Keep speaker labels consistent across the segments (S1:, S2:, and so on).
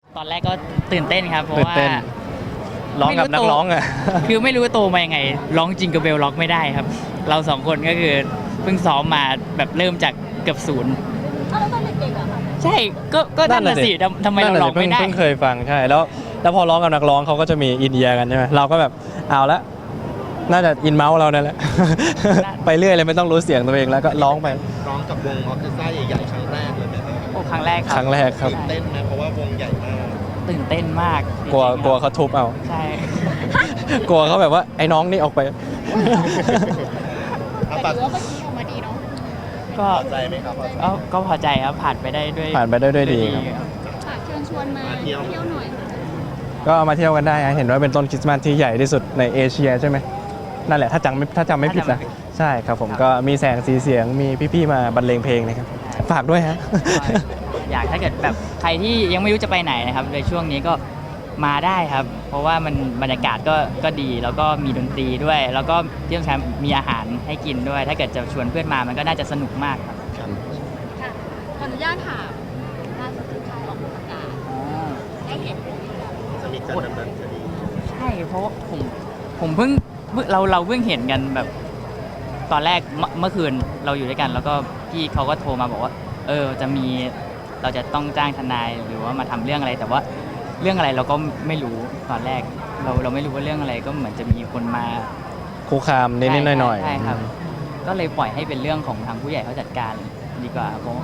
S1: ตอนแรกก็ตื่นเต้นครับเพราะว่า
S2: ร้องกับนักร้องอ่ะ
S1: คือไม่รู้โตมายังไงร้องจิงเกิลเบลร้องไม่ได้ครับ เราสองคนก็คือเพิ่งซ้อมมาแบบเริ่มจากเกือบศูนย์
S3: แล้วตอนเด็กๆอ่ะ
S1: ใช่ก็นั่นน่ะสิทำไมเราร้องไม่ได้
S2: เพิ่งเคยฟังใช่แล้วพอร้องกับนักร้องเขาก็จะมีอินเดียกันใช่ไหมเราก็แบบเอาละน่าจะอินเมาส์เรานั่นแหละ ไปเรื่อยเลยไม่ต้องรู้เสียงตัวเองแล้วก็ร้องไป
S4: ร้องกับวงออร์เคสตราใหญ่ๆครั้งแรกเลยไหมครับ
S1: โอ้ครั้งแรกครับ
S2: ครั้งแรกครับ
S4: ตื่นเต้นนะเพราะว่าวงใหญ่มาก
S1: ตื่นเต้นมาก
S2: กลัวเขาทุบเอา
S1: ใช่
S2: กลัวเขาแบบว่าไอ้น้องนี่ออกไป
S3: แต่ดูว่าเมื่อกี้ออกมาดีเนาะ
S1: ก็
S4: พอใจไหมครับ
S1: ก็พอใจครับผ่านไปได้ด้วย
S2: ดีครับ
S3: ฝากเชิญชวนมาเที่ยวหน่อย
S2: ก็มาเที่ยวกันได้นะเห็นว่าเป็นต้นคริสต์มาสที่ใหญ่ที่สุดในเอเชียใช่ไหมนั่นแหละถ้าจำไม่ผิดนะใช่ครับผมก็มีแสงสีเสียงมีพี่ๆมาบรรเลงเพลงนะครับฝากด้วยฮะ
S1: อยากถ้าเกิดแบบใครที่ยังไม่รู้จะไปไหนนะครับในช่วงนี้ก็มาได้ครับเพราะว่ามันบรรยากาศก็ดีแล้วก็มีดนตรีด้วย แล้วก็ที่สำคัญมีอาหารให้กินด้วย ถ้าเกิดจะชวนเพื่อนมามันก็น่าจะสนุกมากครับ
S3: ค่ะขออนุญาตถามล่าสุดที่ค่ายออกประกาศได้เห็น
S4: จะมีการดำเนินคดี
S1: ใช่เพราะว่าผมเพิ่งเราเพิ่งเห็นกันแบบตอนแรกเมื่อคืนเราอยู่ด้วยกัน แล้วก็พี่เขาก็โทรมาบอกว่าจะมีเราจะต้องจ้างทนายหรือว่ามาทำเรื่องอะไรแต่ว่าเรื่องอะไรเราก็ไม่รู้ตอนแรกเราไม่รู้ว่าเรื่องอะไรก็เหมือนจะมีคนมา
S2: คุกคามนิดๆหน่อย
S1: ๆใช่ครับก็เลยปล่อยให้เป็นเรื่องของทางผู้ใหญ่เขาจัดการดีกว่าเพราะ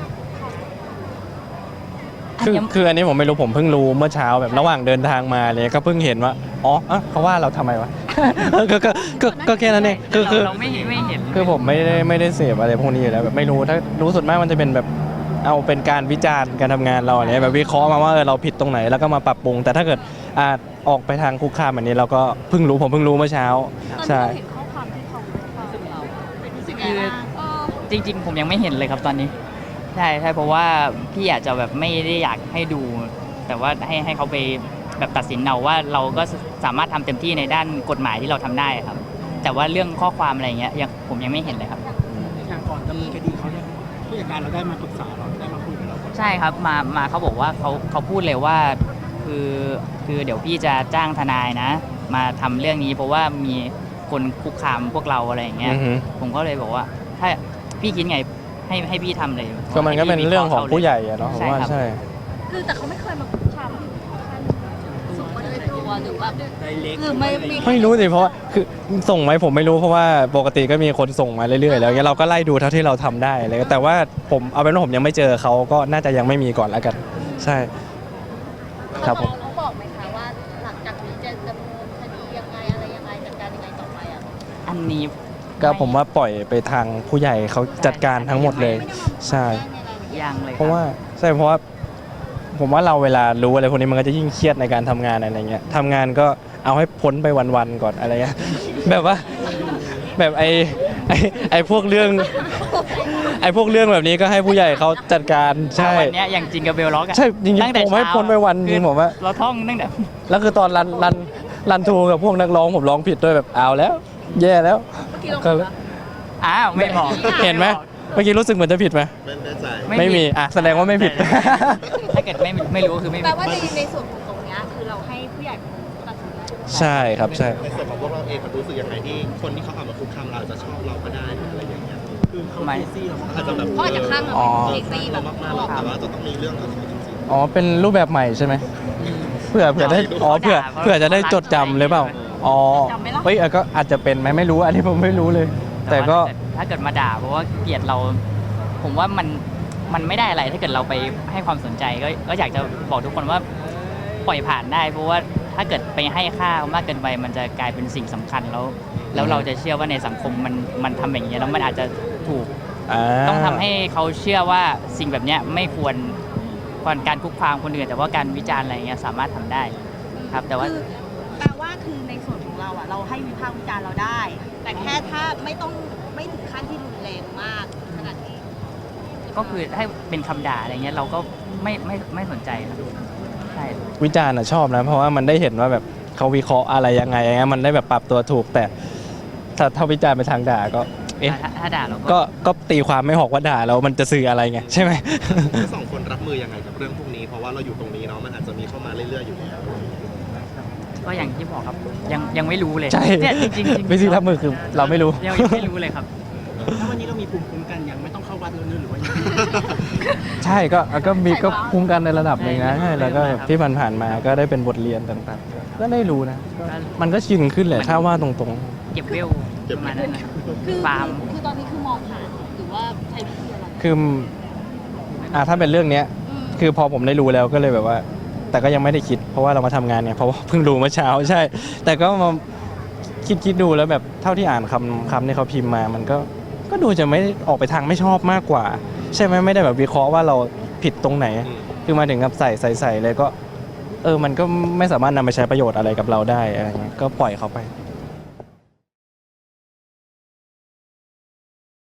S2: คืออันนี้ผมไม่รู้ผมเพิ่งรู้เมื่อเช้าแบบระหว่างเดินทางมาเลยก็เพิ่งเห็นว่าอ๋อเขาว่าเราทำไมวะ ก็แค่นั้นเองคือ
S1: เราไม่เห็น
S2: คือผมไม่ได้เสพอะไรพวกนี้อยู่แล้วแบบไม่รู้ถ้ารู้สุดมากมันจะเป็นแบบเอาเป็นการวิจารณ์การทำงานเราอะไรแบบวิเคราะห์มาว่าเราผิดตรงไหนแล้วก็มาปรับปรุงแต่ถ้าเกิดออกไปทางคุกคามแบบนี้เราก็ผมเพิ่งรู้เมื่อเช้า
S3: ใช่เห็นข้อความที่เขาสึกเรา
S1: คือจริงๆผมยังไม่เห็นเลยครับตอนนี้ใช่เพราะว่าพี่อาจจะแบบไม่ได้อยากให้ดู แต่ว่าให้เขาไปแบบตัดสินเอาว่าเราก็สามารถทำเต็มที่ในด้านกฎหมายที่เราทำได้ครับแต่ว่าเรื่องข้อความอะไรเงี้ยผมยังไม่เห็นเลยครับ
S5: อย่างก่อนดำเนินคดีเขาเนี่ยผู้จัดการเราได้มาปรึกษาเราได้มาคุยกับเรา
S1: ใช่ครับมาเขาบอกว่าเขาพูดเลยว่าคือเดี๋ยวพี่จะจ้างทนายนะมาทำเรื่องนี้เพราะว่ามีคนคุกคามพวกเราอะไรอย่างเงี้ยผมก็เลยบอกว่าถ้าพี่คิดไงให้พี่ทำเลย
S2: ก็มันก็เป็นเรื่องของผู้ใหญ่อะเนาะผมว่าใช่
S3: คือแต่เขาไม่เคยมาคุกคามส่งมาโดยตัวหรือว่าหรือ
S2: ไม่รู้สิเพราะว่าคือส่งไหมผมไม่รู้เพราะว่าปกติก็มีคนส่งมาเรื่อยๆแล้วเราก็ไล่ดูเท่าที่เราทำได้เลยแต่ว่าผมเอาเป็นว่าผมยังไม่เจอเขาก็น่าจะยังไม่มีก่อนแล้วกันใช่ครับผม
S3: เขาบอกไหมคะว่าหลังจากนี้จะดำเนินคดียังไงอะไรยังไงจัดการยังไงต่อไปอ่ะ
S1: อันนี้
S2: ก็ผมว่าปล่อยไปทางผู้ใหญ่เขาจัดการทั้งหมดเลยใช่
S1: ยังเลย
S2: เพราะว่าผมว่าเราเวลารู้อะไรพวกนี้มันก็จะยิ่งเครียดในการทำงานอะไรเงี้ยทำงานก็เอาให้พ้นไปวันๆก่อนอะไรเงี้ยแบบว่าแบบไอ้พวกเรื่องแบบนี้ก็ให้ผู้ใหญ่เขาจัดการใช่
S1: วันนี้อย่างจริงกับเบลล็อก
S2: ใช่จริงๆผมให้พ้นไปวันจริงผมว่า
S1: เราท่องตั้งแต่
S2: แล้วคือตอนรันทูกับพวกนักร้องผมร้องผิดด้วยแบบเอาแล้วแย่แล้ว
S3: ก็
S1: ไม่บอก
S2: เห็นไหมเมื่อกี้รู้สึกเหมือนจะผิดไหม
S4: ไม่แน่ใจ
S2: ไม่มีแสดงว่าไม่ผิด
S1: ถ้าเกิดไม่รู้คือไม่
S3: แปลว่าในส่วนของตรงนี้คือเราให้ผู้ใหญ่ตัดสิน
S2: ใช่ครับใช่
S4: ในส่วนของพวกเราเองรู้สึกยังไงที่คนที่เขาเอามาคุกคามเราจะชอบเราก็ได้อะไรอย่างเงี้ย
S5: คือเขาไม่ซี่เรา
S4: อาจจะแบบ
S3: เขาอาจจะข้างเราเซ็กซี่แบบ
S4: มากๆแต่ว่าจะต้องมีเรื่องกับเขาจริง
S2: ๆอ๋อเป็นรูปแบบใหม่ใช่ไหมเผื่อได้เผื่อจะได้จดจำเลยเปล่าอ๋อเฮ้ยก็อาจจะเป็นไหมไม่รู้อันนี้ผมไม่รู้เลยแต่ก็
S1: ถ้าเกิดมาด่าเพราะว่าเกลียดเราผมว่ามันไม่ได้อะไรถ้าเกิดเราไปให้ความสนใจก็อยากจะบอกทุกคนว่าปล่อยผ่านได้เพราะว่าถ้าเกิดไปให้ค่ามากเกินไปมันจะกลายเป็นสิ่งสำคัญแล้วเราจะเชื่อว่าในสังคมมันทำอย่างนี้แล้วมันอาจจะถูกต้องทำให้เขาเชื่อว่าสิ่งแบบนี้ไม่ควรการคุกคามคนอื่นแต่ว่าการวิจารณ์อะไรเงี้ยสามารถทำได้ครับแต่ว่า
S3: แปลว่าคือในส่วนของเราเราให้วิพากษ์วิจารณ์เราได้แต่แค่ถ้าไม่ถึงขั้นที่รุนแรงมากขนาดนี้
S1: ก็คือให้เป็นคำด่าอะไรเงี้ยเราก็ไม่สนใจครับใช่
S2: วิจารณ์ชอบนะเพราะว่ามันได้เห็นว่าแบบเขาวิเคราะห์อะไรยังไงมันได้แบบปรับตัวถูกแต่ถ้าวิจารณ์ไปทางด่าก็
S1: ถ้าด่าเรา
S2: ก็ตีความไม่ออกว่าด่าแล้วมันจะสื่ออะไรไงใช่ไหม
S4: ทั้งสองคนรับมือยังไงกับเรื่องพวกนี้เพราะว่าว่าเราอยู่ตรงนี้เนาะมันอาจจะมีเข้ามาเรื่อยๆอยู่แล้ว
S1: ก็อย่างที่บอกครับยังไม่รู้เลย
S2: ใช่
S1: เนี่ยจริงๆ
S2: วิธีรับมือคือเราไม่รู้
S1: ยังไม่รู้เลยครับ
S5: ถ้าวันนี้เรามีภูมิคุ้มกันยังไม่ต้องเข้าวัดแล้วเนอะหรือว่ายังไง
S2: ใช่ก็มีก็คุ้มกันในระดับหนึ่งนะใช่แล้วก็ที่ผ่านๆมาก็ได้เป็นบทเรียนต่างๆ ก็ได้รู้นะมันก็ชินขึ้นแหละถ้าว่าตรง
S1: เก็บเวลประมาณนั้นนะครับ
S3: คือ
S1: ฟาร์ม
S3: คือตอนนี้คือมองผ่านหรือว่าใช้วิธีอะไร
S2: ๆ คือถ้าเป็นเรื่องเนี้ย
S3: อืม
S2: คือพอผมได้รู้แล้วก็เลยแบบว่า แต่ก็ยังไม่ได้คิด เพราะว่าเรามาทำงานเนี่ยเพราะว่าเพิ่งรู้เมื่อเช้าใช่ แต่ก็มาคิดดูแล้วแบบเท่าที่อ่านคำที่เขาพิมพ์มามันก็ดูจะไม่ออกไปทางไม่ชอบมากกว่า ใช่ไหมไม่ได้แบบวิเคราะห์ว่าเราผิดตรงไหน คือมาถึงกับใส่เลยก็มันก็ไม่สามารถนำไปใช้ประโยชน์อะไรกับเราได้อะไรเงี้ยก็ปล่อยเขาไป